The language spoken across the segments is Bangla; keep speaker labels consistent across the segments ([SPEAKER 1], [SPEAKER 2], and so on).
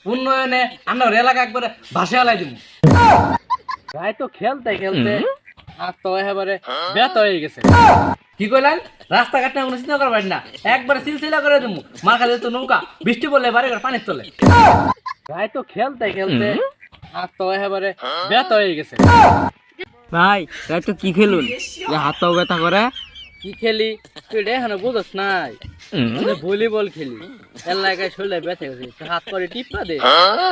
[SPEAKER 1] উন্নয়নে আমরা এলাকা একবারে ভাসে আলাই দিব। গাই তো খেলতে খেলতে হাত তো একেবারে ব্যথা হয়ে গেছে। কি কইলেন? রাস্তাঘাট না কোনো চিন্তা করবেন না, একবারে সিলসিলা করে দেবো। মার খালি তো নৌকা, বৃষ্টি পড়লে বাড়ি ঘর পানির তলে। গাই তো খেলতে খেলতে হাত তো একেবারে ব্যথা হয়ে গেছে।
[SPEAKER 2] ভাই তাই তো কি খেলুন যে হাত পাও ব্যথা করে?
[SPEAKER 1] কি খেলি তুই এখানে বুঝস নাই? ভলিবল খেলি, এলাকায় শরীরে ব্যথা গেছে, হাত করে টিপা দে।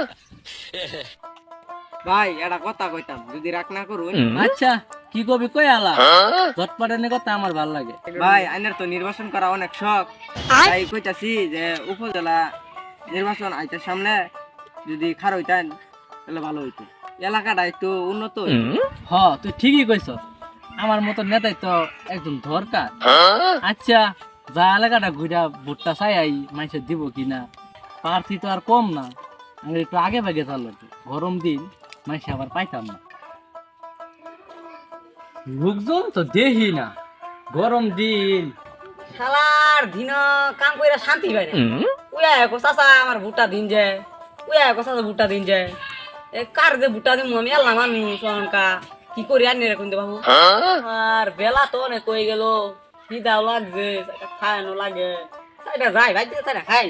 [SPEAKER 2] ভাই এটা কথা কইতাম, যদি রাগ না করুন।
[SPEAKER 1] আচ্ছা কি কবি কই আলা, চটপটানি কথা আমার ভাল লাগে।
[SPEAKER 2] ভাই আইনের তো নির্বাচন করা অনেক শখ, তাই কইতাছি যে উপজেলা নির্বাচন আইতার সামনে যদি খার হইতেন তাহলে ভালো হইতো, এলাকাটা একটু উন্নত হইতো।
[SPEAKER 1] হ তুই ঠিকই কইছ, আমার মতো নেতাই তো একদম দরকার। আচ্ছা যা এলাকাটা ঘুরা ভোটটা চাই আই মানুষের দিব কিনা, প্রার্থী তো আর কম না, আমি একটু আগে ভাগে চালো। গরম দিন মানুষ আবার পাইতাম না, লোকজন তো দেখি না। গরম দিন
[SPEAKER 2] শালার দিন কাম কইরা শান্তি পাই না। উয়া একো চাচা আমার ভুট্টা দিন যায়, উয়া একো চাচা ভুট্টা দিন যায়। এ কার যে ভুট্টা দিন আমি এলাম মানুষ অনকা কি করি আর এরকম বাবু। আর বেলা তো অনেক কই গেল, খিদাও লাগছে, খাওয়ানো লাগে, সাইডা যাই ভাই সাইডা খাই।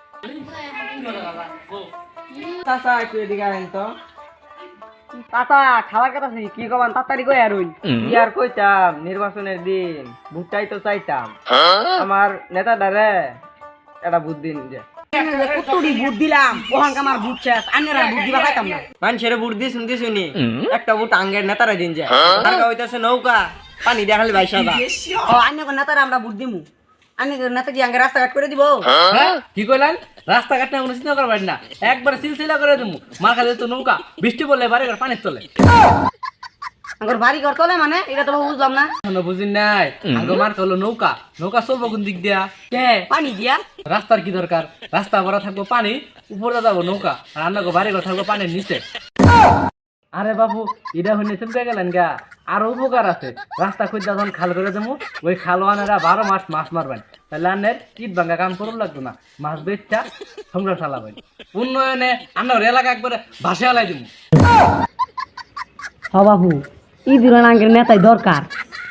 [SPEAKER 2] চাচা একটু এদিকে আইন তো। চাচা খাওয়ার কথা শুনি কি কবান তাড়াতাড়ি কই আর হই। কি আর কইতাম, নির্বাচনের দিন ভুট্টাই তো চাইতাম। আমার নেতা দারে এটা বুদ্ধি দিন যে কুতুড়ি ভোট দিলাম, ওখানকার আমার ভোট শেষ, আন্যরা ভোট দিবা পাইতাম না। মানুষের ভোট দিয়ে শুনতে শুনি একটা ভোট আঙ্গের নেতারা দিন যায়, তারকা হইতাছে নৌকা পানি দেখালে ভাই সাদা। ও আন্য নেতারা আমরা ভোট দিমু, আন্য নেতা কি আঙ্গের রাস্তাঘাট করে দিব?
[SPEAKER 1] হ্যাঁ কি কইলেন? রাস্তাঘাট না কোনো চিন্তা করবেন না, একবারে সিলসিলা করে দেবো। মার খালি তো নৌকা, বৃষ্টি পড়লে বাড়ি ঘর পানির তলে।
[SPEAKER 2] আঙ্গর বাড়ি ঘর তোলে মানে এটা তো বুঝলাম না।
[SPEAKER 1] এখনো বুঝিন নাই? আগে মার হলো নৌকা, নৌকা চলবো কোন দিক দিয়া?
[SPEAKER 2] কে পানি দিয়া?
[SPEAKER 1] রাস্তার কি দরকার? রাস্তা ভরা থাকবো পানি, উপরে যাবো নৌকা, আর আপনাকে বাড়ি ঘর থাকবো পানির নিচে। আরে বাবু এটা হইলে চমকে গেলেন গা, আরো উপকার আছে। রাস্তা খুঁজে যখন খাল করে দেবো, ওই খালোয়ানেরা 12 মাস মাছ মারবেন, তাহলে আনের ইট ভাঙ্গা কাম করুন লাগতো না, মাছ বেচটা সংসার চালাবেন। উন্নয়নে আমরা এলাকা একবারে ভাসে আলাই দিব।
[SPEAKER 2] হ বাবু ই দিলেন আঙ্গের নেতাই দরকার,